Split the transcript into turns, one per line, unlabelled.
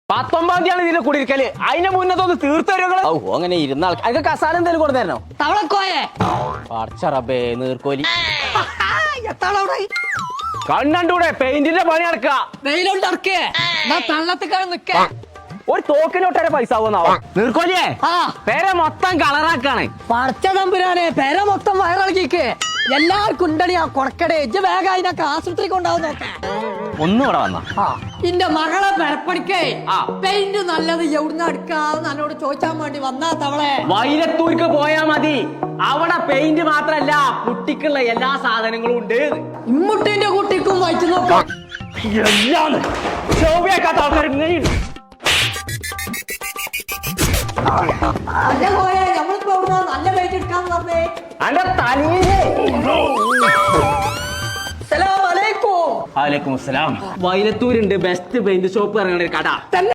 19 തീയതി ഇതിന്റെ കുടിയിരിക്കല്. അതിന്റെ മുന്നത്തൊന്ന് തീർത്തരുകള്. അങ്ങനെ ഇരുന്ന ആൾക്ക് കസാല എന്തെങ്കിലും കൊടുത്തായിരുന്നോ?
തവളക്കോയെ
പടച്ചറബേ നീർക്കോലി
എത്താളവിടെ
കണ്ണൂടെ പെയിന്റിന്റെ പണി നടക്കുക.
വെയിലുണ്ടറക്കേ തള്ളത്തിക്കാണ് നിക്ക.
ഒരു തോക്കിനൊട്ടേറെ പൈസ ആവുന്നാവോ നീർക്കോലിയേ? പേരെ മൊത്തം കളറാക്കാണ്.
പടച്ച തമ്പുരാനെ പേര മൊത്തം വയറിളക്കിക്ക്. എല്ലാവർക്കും ഉണ്ടടി ആ കൊടക്കടേ. ഇജ്ജ് വേഗം അതിനൊക്കെ ആശുപത്രി കൊണ്ടാവും നോക്കേ.
ഒന്നുകൂടെ വന്ന
ഇന്റെ മകളെ പെരപ്പണിക്കേ പെയിന്റ് നല്ലത് എവിടുന്ന് എടുക്കാന്ന് എന്നോട് ചോദിച്ചാൻ വേണ്ടി വന്നാ തവളെ.
വൈലത്തൂർക്ക് പോയാ മതി. അവിടെ പെയിന്റ് മാത്രല്ല കുട്ടിക്കുള്ള എല്ലാ സാധനങ്ങളും ഉണ്ട്.
ഇമ്മുട്ടിന്റെ കുട്ടിക്കും വായിച്ചു നോക്കാം.
എല്ലാം ശോഭിയാക്കാത്ത ആൾക്കാർ ഇങ്ങനെയുണ്ട്.
നമ്മളിപ്പോ നല്ല പെയിന്റ് എടുക്കാന്ന് പറഞ്ഞേ.
അന്റെ തലയിലേ
അസ്സലാമു അലൈക്കും.
വലൈക്കും അസ്സലാം. വൈലത്തൂരുണ്ട് ബെസ്റ്റ് പെയിന്റ് ഷോപ്പ് ഇറങ്ങുന്ന ഒരു കട.